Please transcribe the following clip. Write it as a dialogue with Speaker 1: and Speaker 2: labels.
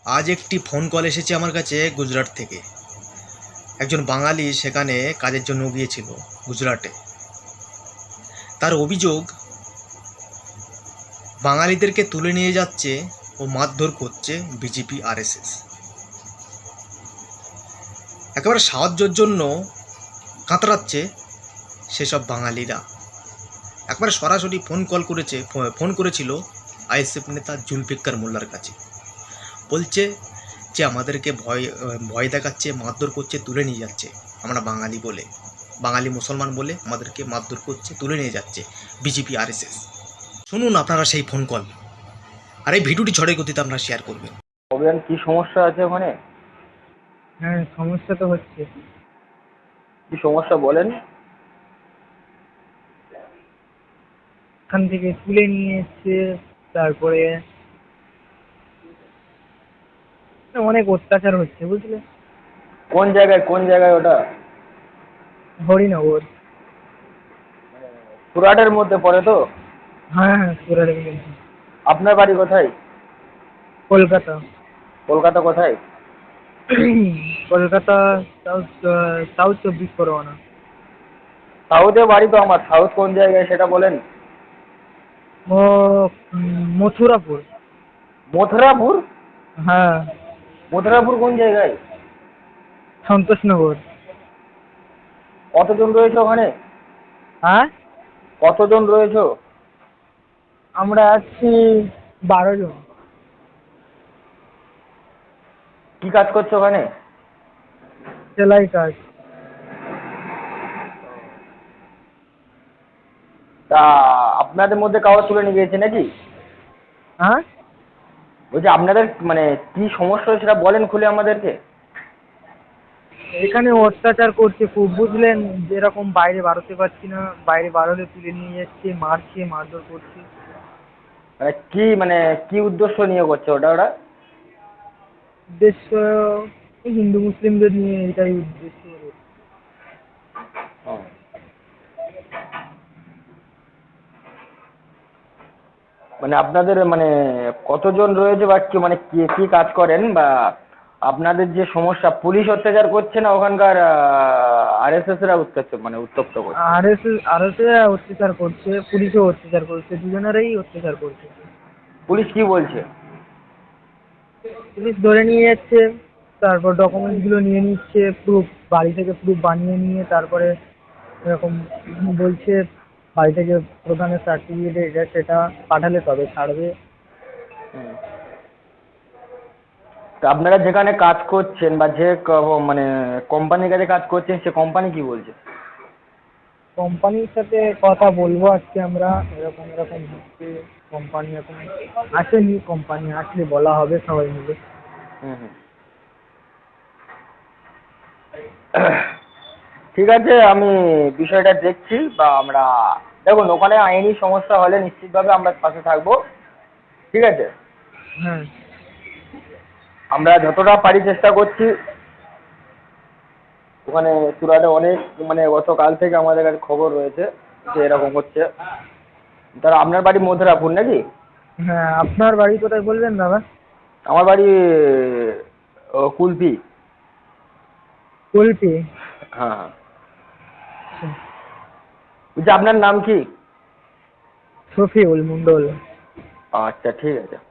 Speaker 1: আজ একটি phone call এসেছে আমার কাছে গুজরাট থেকে। একজন বাঙালি সেখানে কাজের জন্য গিয়েছিল গুজরাটে। তার অভিযোগ, বাঙালিদেরকে তুলে নিয়ে যাচ্ছে ও মারধর করছে বিজেপি আরএসএস। একেবারে সাহায্যের জন্য কাতরাচ্ছে সেসব বাঙালিরা। একবারে সরাসরি ফোন করেছিল আইএসএফ নেতা জুলফিকার মোল্লার কাছে। বলছে যে আমাদেরকে ভয় ভয় দেখাচ্ছে, মারধর করছে, তুলে নিয়ে যাচ্ছে। আমরা বাঙালি মুসলমান বলে আমাদেরকে মারধর করছে, তুলে নিয়ে যাচ্ছে বিজেপি আরএসএস। শুনুন আপনারা সেই ফোন কল, আর এই ভিডিওটি ঝড়ের গতিতে আপনারা শেয়ার করবেন।
Speaker 2: অভিযান কি সমস্যা আছে ওখানে?
Speaker 3: হ্যাঁ, সমস্যা তো হচ্ছে।
Speaker 2: কি সমস্যা বলেন?
Speaker 3: এখান থেকে তুলে নিয়ে এসছে, তারপরে অনেক অত্যাচার হচ্ছে, বুঝলে।
Speaker 2: কোন জায়গায় ওটা?
Speaker 3: হরিনগর।
Speaker 2: সুরাটের মধ্যে পড়ে তো?
Speaker 3: হ্যাঁ হ্যাঁ, সুরাটের মধ্যে।
Speaker 2: আপনার বাড়ি কোথায়?
Speaker 3: কলকাতা।
Speaker 2: কলকাতা কোথায়?
Speaker 3: Kolkata south, south 24 Pargana.
Speaker 2: সাউথে বাড়ি তো আমার। সাউথ কোন জায়গায় সেটা বলেন।
Speaker 3: ও মথুরাপুর।
Speaker 2: মথুরাপুর?
Speaker 3: হ্যাঁ।
Speaker 2: মথুরাপুর কোন জায়গায়?
Speaker 3: সন্তোষনগর।
Speaker 2: কতজন রয়েছে ওখানে?
Speaker 3: হ্যাঁ,
Speaker 2: কতজন রয়েছে?
Speaker 3: আমরা আছি 12 জন।
Speaker 2: কি কাজ করছো ওখানে?
Speaker 3: সেলাই কাজ।
Speaker 2: তা আপনাদের মধ্যে কাগজ তুলে নিয়ে গিয়েছে নাকি?
Speaker 3: হ্যাঁ,
Speaker 2: বলছি আপনাদের মানে কি সমস্যা সেটা বলেন খুলে আমাদেরকে।
Speaker 3: এখানে অত্যাচার করছে খুব, বুঝলেন। যেরকম বাইরে বাড়াতে পারছি না, বাইরে বাড়ালে তুলে নিয়ে যাচ্ছে, মারছে, মারধর করছে।
Speaker 2: মানে কি উদ্দেশ্য নিয়ে করছে ওরা?
Speaker 3: উদ্দেশ্য এই হিন্দু মুসলিমদের নিয়ে, এটাই উদ্দেশ্য ওদের।
Speaker 2: ও। মানে আপনাদের মানে কতজন রয়েছে বা কি মানে কি কি কাজ করেন, বা আপনাদের যে সমস্যা পুলিশ অত্যাচার করছে না ওখানকার আরএসএস রা উত্তপ্ত করছে?
Speaker 3: আর এস অত্যাচার করছে, পুলিশও অত্যাচার করছে, দুজনেরই অত্যাচার করছে।
Speaker 2: পুলিশ কি বলছে?
Speaker 3: পুলিশ ধরে নিয়ে যাচ্ছে, তারপর ডকুমেন্টস গুলো নিয়ে নিচ্ছে, প্রুফ বাড়ি থেকে প্রুফ বানিয়ে নিয়ে তারপরে এরকম বলছে, বাড়ি থেকে প্রধানের সার্টিফিকেট এটা সেটা পাঠালে তবে ছাড়বে।
Speaker 2: হুম। তা আপনারা যেখানে কাজ করছেন বা মানে কোম্পানির কাছে কাজ করছেন সে কোম্পানি কি বলছে?
Speaker 3: কোম্পানির সাথে কথা বলবো আজকে আমরা, এরকম এরকম হচ্ছে। কোম্পানি এখন আসেনি, কোম্পানি আসলে বলা হবে সবাই মিলে।
Speaker 2: হুম হুম। ঠিক আছে, আমি বিষয়টা দেখছি। বা আমরা দেখুন, ওখানে আইনি সমস্যা হলে নিশ্চিতভাবে আমরা পাশে থাকবো। ঠিক আছে?
Speaker 3: হ্যাঁ।
Speaker 2: আমরা যতটা পারি চেষ্টা করছি। ওখানে সুরাটে অনেক মানে গতকাল থেকে আমাদের কাছে খবর রয়েছে যে এরকম হচ্ছে। তাহলে আপনার বাড়ি মথুরাপুর নাকি?
Speaker 3: হ্যাঁ, আপনার বাড়ি কোথায় বলবেন দাদা?
Speaker 2: আমার বাড়ি কুলপি।
Speaker 3: কুলপি।
Speaker 2: হ্যাঁ হ্যাঁ। বলছি আপনার নাম কি?
Speaker 3: শফিউল মন্ডল।
Speaker 2: আচ্ছা ঠিক আছে।